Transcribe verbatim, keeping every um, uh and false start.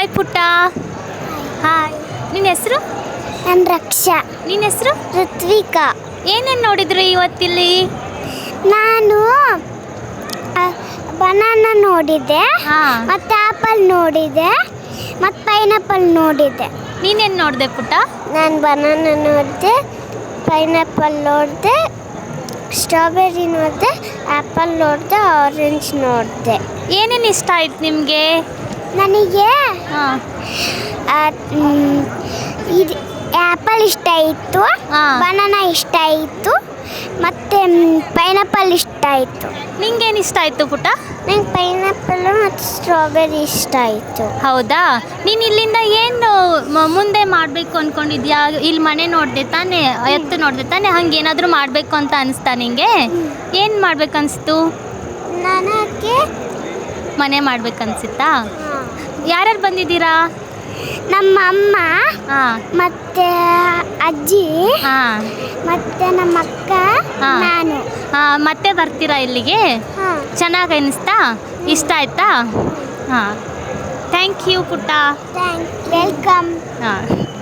Hi ಪುಟ್ಟ. Hi. ನಿನ್ನ ಹೆಸರು? ನನ್ನ ರಕ್ಷಾ. ನಿನ್ನ ಹೆಸರು? ಋತ್ವಿಕಾ. ಏನೇನು ನೋಡಿದ್ರಿ ಇವತ್ತಿಲ್ಲಿ? ನಾನು ಬನಾನಾ ನೋಡಿದ್ದೆ, ಹಾಂ. ಮತ್ತು ಆ್ಯಪಲ್ ನೋಡಿದ್ದೆ, ಮತ್ತು ಪೈನಾಪಲ್ ನೋಡಿದ್ದೆ. ನೀನೇನು ನೋಡಿದೆ ಪುಟ್ಟ? ನಾನು ಬನಾನಾ ನೋಡಿದೆ, ಪೈನಾಪಲ್ ನೋಡಿದೆ, ಸ್ಟ್ರಾಬೆರಿ ನೋಡಿದೆ, ಆ್ಯಪಲ್ ನೋಡಿದೆ, ಆರೆಂಜ್ ನೋಡಿದೆ. ಏನೇನು ಇಷ್ಟ ಆಯ್ತು ನಿಮಗೆ? ನನಗೆ ಹಾಂ. ಇದು ಆ್ಯಪಲ್ ಇಷ್ಟ ಇತ್ತು, ಹಾಂ. ಬನಾನಾ ಇಷ್ಟ ಇತ್ತು, ಮತ್ತು ಪೈನಾಪಲ್ ಇಷ್ಟ ಆಯಿತು. ನಿಂಗೇನು ಇಷ್ಟ ಆಯಿತು ಪುಟ್ಟ? ನಂಗೆ ಪೈನಾಪಲ್ಲು ಮತ್ತು ಸ್ಟ್ರಾಬೆರಿ ಇಷ್ಟ ಆಯಿತು. ಹೌದಾ? ನೀನು ಇಲ್ಲಿಂದ ಏನು ಮ- ಮುಂದೆ ಮಾಡಬೇಕು ಅಂದ್ಕೊಂಡಿದ್ಯಾ? ಇಲ್ಲಿ ಮನೆ ನೋಡಿದೆ ತಾನೇ, ಎತ್ತು ನೋಡಿದೆ ತಾನೇ, ಹಂಗೆ ಏನಾದರೂ ಮಾಡಬೇಕು ಅಂತ ಅನಿಸ್ತಾ ನಿಂಗೆ? ಏನು ಮಾಡ್ಬೇಕು ಅನಿಸ್ತು? ನನಗೆ ಮನೆ ಮಾಡ್ಬೇಕನ್ಸಿತ್ತಾ? ಯಾರ್ಯಾರು ಬಂದಿದ್ದೀರಾ? ನಮ್ಮ ಅಮ್ಮ ಹಾಂ. ಮತ್ತು ಅಜ್ಜಿ ಹಾಂ. ಮತ್ತು ನಮ್ಮ ಅಕ್ಕ, ಹಾಂ. ನಾನು. ಹಾಂ, ಮತ್ತೆ ಬರ್ತೀರಾ ಇಲ್ಲಿಗೆ? ಹಾಂ. ಚೆನ್ನಾಗಿ ಅನಿಸ್ತಾ? ಇಷ್ಟ ಆಯ್ತಾ? ಹಾಂ. ಥ್ಯಾಂಕ್ ಯು ಪುಟ್ಟ. Thank welcome. ಹಾಂ.